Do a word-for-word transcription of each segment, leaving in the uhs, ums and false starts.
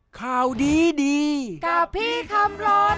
ข่าวดีดีกับพี่คำรน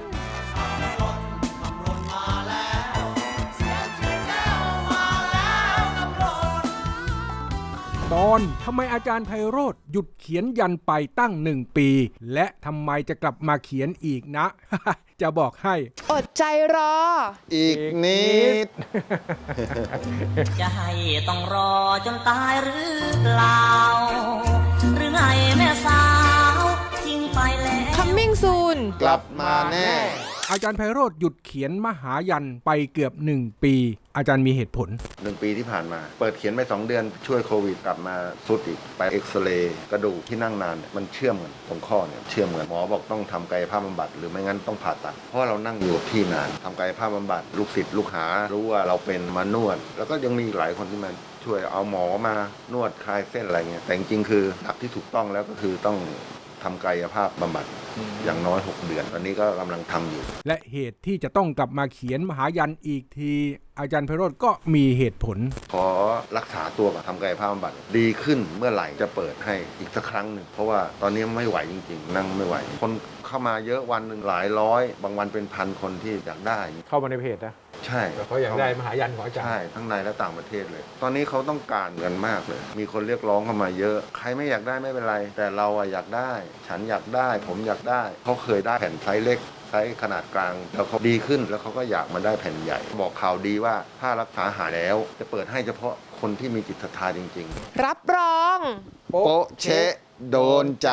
ตอนทำไมอาจารย์ไพโรจน์หยุดเขียนยันไปตั้งหนึ่งปีและทำไมจะกลับมาเขียนอีกนะ จะบอกให้อดใจรออีกนิดจะให้ต้องรอจนตายหรือเปล่าหรือไงแม่สาวทิ้งไปแล้ว Coming soon กลับมาแน่อาจารย์ไพโรจน์หยุดเขียนมหายันไปเกือบหนึ่งปีอาจารย์มีเหตุผลหนึ่งปีที่ผ่านมาเปิดเขียนไปสองเดือนช่วยโควิดกลับมาสุดอีกไปเอ็กซเรย์กระดูกที่นั่งนานเนี่ยมันเชื่อมกันตรงข้อเนี่ยเชื่อมกันหมอบอกต้องทำกายภาพบำบัดหรือไม่งั้นต้องผ่าตัดเพราะเรานั่งอยู่ที่นานทำกายภาพบำบัดลูกศิษย์ลูกหารู้ว่าเราเป็นมานวดแล้วก็ยังมีหลายคนที่มาช่วยเอาหมอมานวดคลายเส้นอะไรเงี้ยแต่จริงๆคือหลักที่ถูกต้องแล้วก็คือต้องทำกายภาพบำบัดอย่างน้อยหกเดือนตอนนี้ก็กำลังทำอยู่และเหตุที่จะต้องกลับมาเขียนมหายันอีกทีอาจารย์ไพโรจน์ก็มีเหตุผลขอรักษาตัวกับทำกายภาพบำบัดดีขึ้นเมื่อไหร่จะเปิดให้อีกสักครั้งหนึ่งเพราะว่าตอนนี้ไม่ไหวจริงๆนั่งไม่ไหวคนเข้ามาเยอะวันหนึ่งหลายร้อยบางวันเป็นพันคนที่อยากได้เข้ามาในเพจนะใช่เขาอยากได้มหายันของอาจารย์ใช่ทั้งในและต่างประเทศเลยตอนนี้เขาต้องการกันมากเลยมีคนเรียกร้องเข้ามาเยอะใครไม่อยากได้ไม่เป็นไรแต่เราอะอยากได้ฉันอยากได้ผมอยากได้เขาเคยได้แผ่นไซส์เล็กไซส์ขนาดกลางแล้วเขาดีขึ้นแล้วเขาก็อยากมาได้แผ่นใหญ่บอกข่าวดีว่าถ้ารักษาหายแล้วจะเปิดให้เฉพาะคนที่มีจิตศรัทธาจริงๆรับรองโป๊ะเชะโดนใจ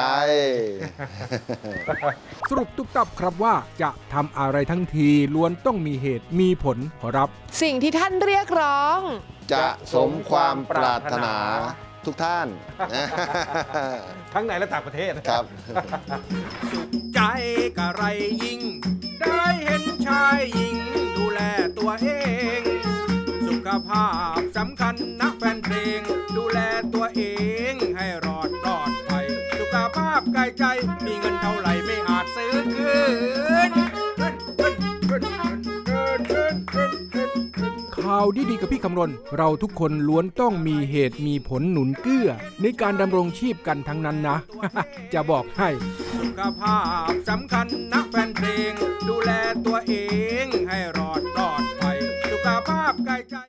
สรุปตุ๊บตับครับว่าจะทำอะไรทั้งทีล้วนต้องมีเหตุมีผลขอรับสิ่งที่ท่านเรียกร้องจะสมความปรารถนาทุกท่านทั้งในและต่างประเทศครับสุขใจกะไรยิ่งได้เห็นชายหญิงดูแลตัวเองสุขภาพสำคัญนะแฟนเพลงดูแลตัวเองให้รอดปลอดภัยสุขภาพกายใจมีเงินเท่าไหร่ไม่อาจซื้อคืนข่าวดีๆกับพี่คำรณเราทุกคนล้วนต้องมีเหตุมีผลหนุนเกื้อในการดำรงชีพกันทั้งนั้นนะ จะบอกให้สุขภาพสำคัญนะแฟนเพลงดูแลตัวเองให้รอดปลอดภัยสุขภาพกายใจ